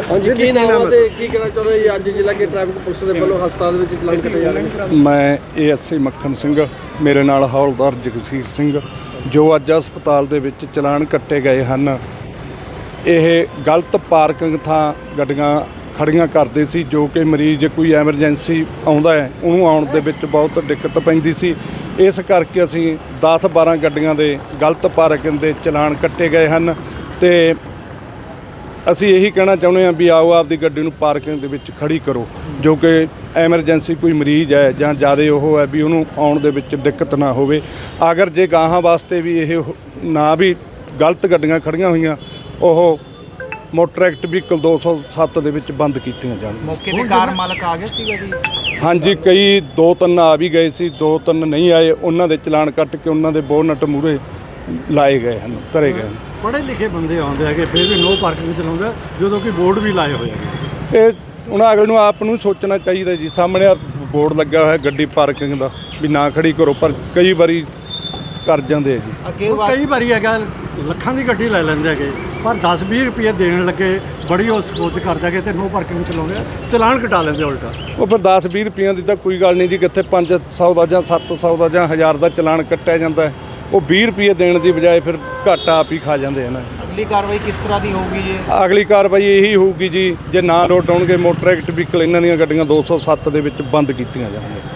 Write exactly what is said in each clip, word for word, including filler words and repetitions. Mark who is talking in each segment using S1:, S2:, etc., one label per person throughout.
S1: ਹਾਂਜੀ ਕੀ ਨਾਮ ਹੈ ਤੇ ਕੀ ਕਹਿਣਾ ਚਾਹੁੰਦੇ ਜੀ ਅੱਜ ਜ਼ਿਲ੍ਹਾ ਕੇ ਟ੍ਰੈਫਿਕ ਪੁਲਿਸ ਦੇ ਵੱਲੋਂ ਹਸਪਤਾਲ ਦੇ ਵਿੱਚ ਚਲਾਨ ਕੱਟੇ ਜਾ ਰਹੇ ਨੇ?
S2: ਮੈਂ ਏਐਸਆਈ ਮੱਖਣ ਸਿੰਘ, ਮੇਰੇ ਨਾਲ ਹੌਲਦਾਰ ਜਗਸੀਰ ਸਿੰਘ, ਜੋ ਅੱਜ ਹਸਪਤਾਲ ਦੇ ਵਿੱਚ ਚਲਾਨ ਕੱਟੇ ਗਏ ਹਨ। ਇਹ ਗਲਤ ਪਾਰਕਿੰਗ ਥਾਂ ਗੱਡੀਆਂ ਖੜੀਆਂ ਕਰਦੇ ਸੀ, ਜੋ ਕਿ ਮਰੀਜ਼ ਕੋਈ ਐਮਰਜੈਂਸੀ ਆਉਂਦਾ ਹੈ ਉਹਨੂੰ ਆਉਣ ਦੇ ਵਿੱਚ ਬਹੁਤ ਦਿੱਕਤ ਪੈਂਦੀ ਸੀ। ਇਸ ਕਰਕੇ ਅਸੀਂ ਦਸ ਬਾਰਾਂ ਗੱਡੀਆਂ ਦੇ ਗਲਤ ਪਾਰਕਿੰਗ ਦੇ ਚਲਾਨ ਕੱਟੇ ਗਏ ਹਨ ਤੇ ਅਸੀਂ ਇਹੀ ਕਹਿਣਾ ਚਾਹੁੰਦੇ ਹਾਂ ਵੀ ਆਓ ਆਪਦੀ ਗੱਡੀ ਨੂੰ ਪਾਰਕਿੰਗ ਦੇ ਵਿੱਚ ਖੜੀ ਕਰੋ, ਜੋ ਕਿ ਐਮਰਜੈਂਸੀ ਕੋਈ ਮਰੀਜ਼ ਹੈ ਜਾਂ ਜ਼ਿਆਦਾ ਉਹ ਹੈ ਵੀ ਉਹਨੂੰ ਆਉਣ ਦੇ ਵਿੱਚ ਦਿੱਕਤ ਨਾ ਹੋਵੇ। ਅਗਰ ਜੇ ਗਾਹਾਂ ਵਾਸਤੇ ਵੀ ਇਹ ਨਾ ਵੀ ਗਲਤ ਗੱਡੀਆਂ ਖੜੀਆਂ ਹੋਈਆਂ, ਉਹ ਮੋਟਰ ਐਕਟ ਵਹੀਕਲ ਦੋ ਸੌ ਸੱਤ ਦੇ ਵਿੱਚ ਬੰਦ ਕੀਤੀਆਂ ਜਾਣ।
S3: ਮੌਕੇ ਤੇ ਕਾਰ ਮਾਲਕ ਆ ਗਏ ਸੀਗਾ ਜੀ?
S2: ਹਾਂਜੀ, ਕਈ ਦੋ ਤਿੰਨ ਆ ਵੀ ਗਏ ਸੀ, ਦੋ ਤਿੰਨ ਨਹੀਂ ਆਏ। ਉਹਨਾਂ ਦੇ ਚਲਾਨ ਕੱਟ ਕੇ ਉਹਨਾਂ ਦੇ ਬੋਨਟ ਮੂਹਰੇ ਲਾਏ ਗਏ ਹਨ, ਧਰੇ ਗਏ ਹਨ।
S4: ਪੜ੍ਹੇ ਲਿਖੇ ਬੰਦੇ ਆਉਂਦੇ ਹੈਗੇ ਫਿਰ ਵੀ ਨੋ ਪਾਰਕਿੰਗ ਚਲਾਉਂਦੇ, ਜਦੋਂ ਕਿ ਬੋਰਡ ਵੀ ਲਾਏ ਹੋਏ ਹੈਗੇ।
S2: ਇਹ ਉਹਨਾਂ ਅਗਲੇ ਨੂੰ ਆਪ ਨੂੰ ਸੋਚਣਾ ਚਾਹੀਦਾ ਜੀ। ਸਾਹਮਣੇ ਬੋਰਡ ਲੱਗਾ ਹੋਇਆ ਗੱਡੀ ਪਾਰਕਿੰਗ ਦਾ ਵੀ ਨਾ ਖੜੀ ਕਰੋ, ਪਰ ਕਈ ਵਾਰੀ ਕਰ ਜਾਂਦੇ ਆ ਜੀ।
S3: ਅੱਗੇ
S4: ਕਈ ਵਾਰੀ ਹੈਗਾ ਲੱਖਾਂ ਦੀ ਗੱਡੀ ਲੈ ਲੈਂਦੇ ਹੈਗੇ, ਪਰ ਦਸ ਵੀਹ ਰੁਪਏ ਦੇਣ ਲੱਗੇ ਬੜੀ ਉਹ ਸੋਚ ਕਰਦੇ ਹੈਗੇ ਤੇ ਨੋ ਪਾਰਕਿੰਗ ਚਲਾਉਂਦੇ ਆ, ਚਲਾਨ ਕਟਾ ਲੈਂਦੇ ਉਲਟਾ।
S2: ਉਹ ਫਿਰ ਦਸ ਵੀਹ ਰੁਪਈਆਂ ਦੀ ਤਾਂ ਕੋਈ ਗੱਲ ਨਹੀਂ ਜੀ, ਕਿੱਥੇ ਪੰਜ ਸੌ ਦਾ ਜਾਂ ਸੱਤ ਸੌ ਦਾ ਜਾਂ ਹਜ਼ਾਰ ਦਾ ਚਲਾਨ ਕੱਟਿਆ ਜਾਂਦਾ। ਉਹ ਵੀਹ ਰੁਪਏ ਦੇਣ ਦੀ ਬਜਾਏ ਫਿਰ ਘਾਟਾ ਆਪ ਹੀ ਖਾ ਜਾਂਦੇ ਹਨ।
S3: ਅਗਲੀ ਕਾਰਵਾਈ ਕਿਸ ਤਰ੍ਹਾਂ ਦੀ ਹੋਊਗੀ ਜੀ?
S2: ਅਗਲੀ ਕਾਰਵਾਈ ਇਹੀ ਹੋਊਗੀ ਜੀ, ਜੇ ਨਾ ਰੋਡ ਆਉਣਗੇ ਮੋਟਰ ਐਕਟ ਵਹੀਕਲ ਇਹਨਾਂ ਦੀਆਂ ਗੱਡੀਆਂ ਦੋ ਸੌ ਸੱਤ ਦੇ ਵਿੱਚ ਬੰਦ ਕੀਤੀਆਂ ਜਾਣਗੀਆਂ।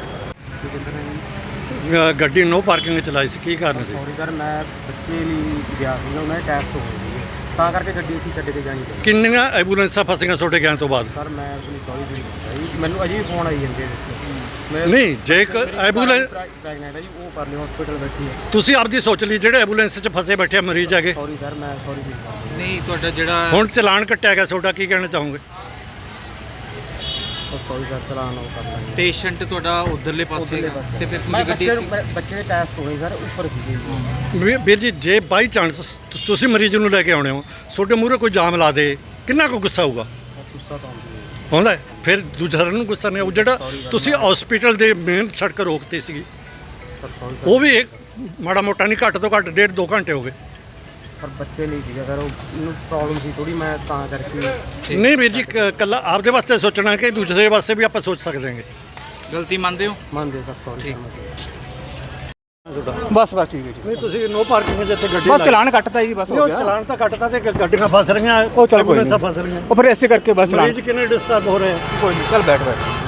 S4: ਗੱਡੀ ਨੋ ਪਾਰਕਿੰਗ ਚਲਾਈ ਸੀ, ਕੀ ਕਾਰਨ ਸੀ?
S1: ਸੌਰੀ ਸਰ, ਮੈਂ ਬੱਚੇ ਲਈ ਗਿਆ ਸੀ ਨਾ, ਉਹਨਾਂ ਦੇ ਟੈਸਟ ਹੋ ਗਏ ਸੀ, ਤਾਂ ਕਰਕੇ ਗੱਡੀ ਉੱਥੇ ਛੱਡ ਕੇ ਜਾਣੀ ਪਈ।
S4: ਕਿੰਨੀਆਂ ਐਂਬੂਲੈਂਸਾਂ ਫਸੀਆਂ ਛੋਟੇ ਗਿਆਨ ਤੋਂ ਬਾਅਦ?
S1: ਸਰ ਮੈਂ ਆਪਣੀ ਸੌਰੀ ਜੀ, ਮੈਨੂੰ ਅਜੇ ਵੀ ਫੋਨ ਆਈ ਜਾਂਦੇ
S4: ਨਹੀਂ, ਜੇ ਇੱਕ ਐਂਬੂਲੈਂਸ
S1: ਪ੍ਰੈਗਨੈਂਟ ਹੈ ਜੀ, ਉਹ ਪਰਲੇ ਹਸਪੀਟਲ ਬੈਠੀ ਹੈ।
S4: ਤੁਸੀਂ ਆਪਦੀ ਸੋਚ ਲਈ ਜਿਹੜੇ ਐਂਬੂਲੈਂਸ 'ਚ ਫਸੇ ਬੈਠੇ ਮਰੀਜ਼ ਹੈਗੇ।
S1: ਸੌਰੀ ਸਰ, ਮੈਂ ਸੌਰੀ ਜੀ।
S3: ਨਹੀਂ, ਤੁਹਾਡਾ ਜਿਹੜਾ
S4: ਹੁਣ ਚਲਾਨ ਕੱਟਿਆ ਗਿਆ ਤੁਹਾਡਾ, ਕੀ ਕਹਿਣਾ ਚਾਹੋਗੇ?
S1: ਸੌਰੀ ਸਰ, ਚਲਾਨ ਉਹ ਕਰ ਲਾਂਗੇ।
S3: ਪੇਸ਼ੈਂਟ ਤੁਹਾਡਾ ਉਧਰਲੇ ਪਾਸੇ ਹੈਗਾ ਤੇ ਫਿਰ
S1: ਮੈਂ
S3: ਤੁਸੀਂ ਗੱਡੀ
S1: ਬੱਚੇ ਨੂੰ ਬੱਚੇ ਦੇ ਟੈਸਟ ਹੋਏ ਸਰ, ਉੱਪਰ ਸੀਗੇ ਜੀ।
S4: ਵੀ- ਵੀਰ ਜੀ, ਜੇ ਬਾਈ ਚਾਂਸ ਤੁਸੀਂ ਮਰੀਜ਼ ਨੂੰ ਲੈ ਕੇ ਆਉਣੇ ਹੋ, ਤੁਹਾਡੇ ਮੂਹਰੇ ਕੋਈ ਜਾਮ ਲਾ ਦੇ, ਕਿੰਨਾ ਕੁ ਗੁੱਸਾ ਹੋਊਗਾ?
S1: ਗੁੱਸਾ ਤਾਂ ਆਉਂਦੀ ਹੈ
S4: ਆਉਂਦਾ ਹੈ। ਫਿਰ ਦੂਜਾ ਨੂੰ ਗੁੱਸਾ ਨਹੀਂ ਆਊ। ਜਿਹੜਾ ਤੁਸੀਂ ਹਸਪੀਟਲ ਦੇ ਮੇਨ ਸੜਕ ਰੋਕਤੀ ਸੀਗੀ,
S1: ਸਰ, ਸੌਰੀ ਸਰ,
S4: ਉਹ ਵੀ ਇੱਕ ਮਾੜਾ ਮੋਟਾ ਨਹੀਂ, ਘੱਟ ਤੋਂ ਘੱਟ ਡੇਢ ਦੋ ਘੰਟੇ ਹੋ ਗਏ।
S1: ਪਰ ਬੱਚੇ ਲਈ ਸੀਗਾ ਸਰ, ਉਹ ਮੈਨੂੰ ਪ੍ਰੋਬਲਮ ਸੀ ਥੋੜੀ, ਮੈਂ ਤਾਂ ਕਰਕੇ।
S4: ਨਹੀਂ ਵੀਰ ਜੀ, ਕ- ਕੱਲਾ ਆਪਦੇ ਵਾਸਤੇ ਸੋਚਣਾ ਕਿ ਦੂਸਰੇ ਵਾਸਤੇ ਵੀ ਆਪਾਂ ਸੋਚ ਸਕਦੇ ਹਾਂਗੇ।
S3: ਗਲਤੀ ਮੰਨਦੇ ਹੋ?
S1: ਮੰਨਦੇ ਸਰ, ਸੌਰੀ
S5: ਬਸ ਬਸ ਠੀਕ ਹੈ ਜੀ।
S4: ਨਹੀਂ, ਤੁਸੀਂ ਨੋ ਪਾਰਕਿੰਗ ਦੇ ਇੱਥੇ ਗੱਡੀ
S5: ਬਸ ਚਲਾਨ ਕੱਟਤਾ ਜੀ, ਬਸ ਹੋ ਗਿਆ।
S4: ਚਲਾਨ ਤਾਂ ਕੱਟਤਾ ਤੇ ਗੱਡੀਆਂ ਫਸ ਰਹੀਆਂ,
S5: ਉਹ ਚੱਲ ਕੋਈ
S4: ਐਂਬੂਲੈਂਸਾਂ
S5: ਨਹੀਂ,
S4: ਫਸ ਰਹੀਆਂ।
S5: ਉਹ ਫਿਰ ਐਸੇ ਕਰਕੇ ਬਸ ਚਲਾਨ।
S4: ਮਰੀਜ਼ ਕਿੰਨੇ ਡਿਸਟਰਬ ਹੋ ਰਹੇ ਆ।
S5: ਕੋਈ ਨਹੀਂ, ਚੱਲ ਬੈਠ ਬੈਠ